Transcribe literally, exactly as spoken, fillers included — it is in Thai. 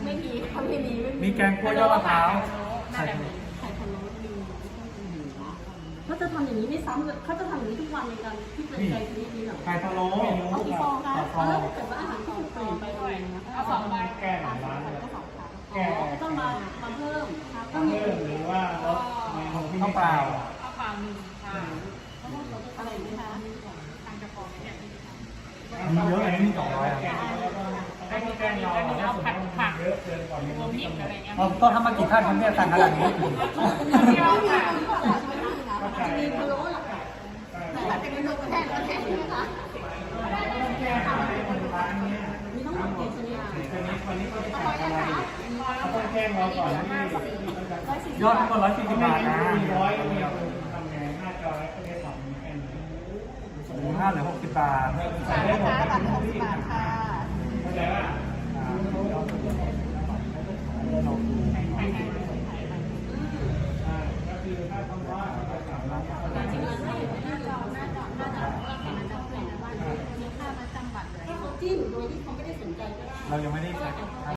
ไม่มีเขาไม่มีไม่มีมีแกงคั่วยอดมะพร้าวใช่ไข่พะโล้มีเขาจะทำอย่างนี้ไม่ซ้ำเลยเขาจะทำอย่างนี้ทุกวันในการที่เป็นใจชนิดนี้เหรอไข่พะโล้เอากี่ฟองคะฟองแล้วถ้าเกิดว่าอาหารที่ถูกเปลี่ยนไปอะไรนะเอาสองใบแก้หลายร้านเลยแก้ต้องมามาเพิ่มก็มีเพิ่มหรือว่าลดเมนูที่ข้าวเปล่าข้าวเปล่าหนึ่งค่ะอะไรไหมคะทางจะฟองเนี่ยมีเยอะเลยนี่สองร้อยอ่ะให้พี่แป้งเราแล้วมีเอาผัดผักเยอะเกินกว่านี้รวมมิตรอะไรเงี้ยเราต้องทำมากี่ท่านครับเนี่ยสั่งขนาดนี้ที่เราค่ะจะมีพะโล้หรอคะแต่ถ้าเป็นเมนูแทนก็แทนใช่ไหมคะมีต้องหมดกี่ชนิดวันนี้วันนี้ก็จะสั่งอะไรเขาต้องแจ้งเราก่อนที่ยอดทั้งหมดร้อยสี่สิบบาทนะมีร้อยเดียวทำไงหน้าจอก็ได้สองแค่นี้หมูห้าเหลือหกสิบบาทใส่ได้หมดบาทหกสิบบาทค่ะเข้าใจว่า ก็คือถ้าคำว่าจะสามร้านจริงๆถ้าอยู่หน้าจอหน้าจอหน้าจอเราเห็นมันจะเปลี่ยนว่ามีค่าประจำบัตรเลยให้เขาจิ้มโดยที่เขาไม่ได้สนใจก็ได้เรายังไม่ได้ใช้